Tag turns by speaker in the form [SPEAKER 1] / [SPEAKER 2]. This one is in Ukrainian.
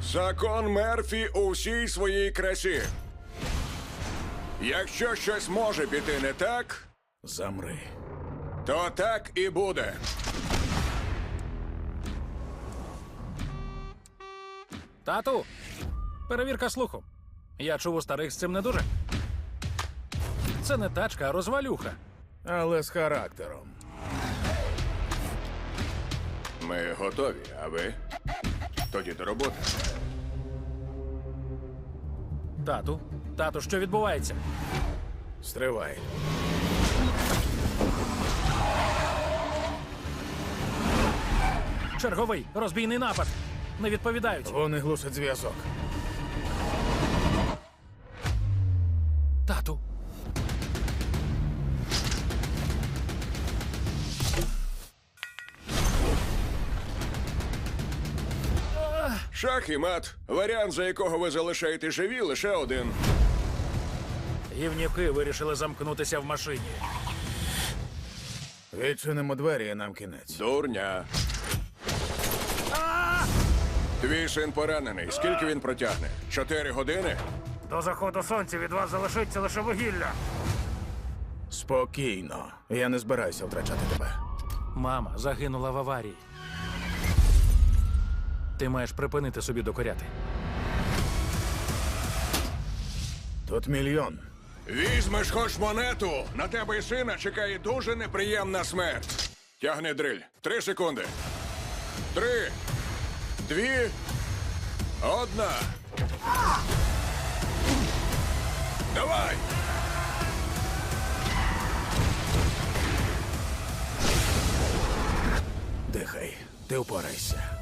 [SPEAKER 1] Закон Мерфі у всій своїй красі. Якщо щось може піти не так,
[SPEAKER 2] Замри.
[SPEAKER 1] то так і буде.
[SPEAKER 3] Тату, перевірка слуху. Я чув, у старих з цим не дуже. Це не тачка, а розвалюха.
[SPEAKER 2] Але з характером.
[SPEAKER 1] Ми готові, а ви? Тоді до роботи.
[SPEAKER 3] Тату, що відбувається?
[SPEAKER 2] Стривай.
[SPEAKER 3] Черговий розбійний напад. Не відповідають.
[SPEAKER 2] Вони глушать зв'язок.
[SPEAKER 3] Тату.
[SPEAKER 1] Шах і мат. Варіант, за якого ви залишаєте живі, лише один.
[SPEAKER 3] Гівнюки вирішили замкнутися в машині.
[SPEAKER 2] Відчинимо двері і нам кінець.
[SPEAKER 1] Дурня. Твій син поранений. Скільки він протягне? 4 години?
[SPEAKER 3] До заходу сонця від вас залишиться лише вугілля.
[SPEAKER 2] Спокійно. Я не збираюся втрачати тебе.
[SPEAKER 3] Мама загинула в аварії. Ти маєш припинити собі докоряти.
[SPEAKER 2] Тут мільйон.
[SPEAKER 1] Візьмеш хоч монету. На тебе і сина чекає дуже неприємна смерть. Тягни дриль. 3 секунди. 3, 2, 1. Давай!
[SPEAKER 2] Дихай. Ти впорайся.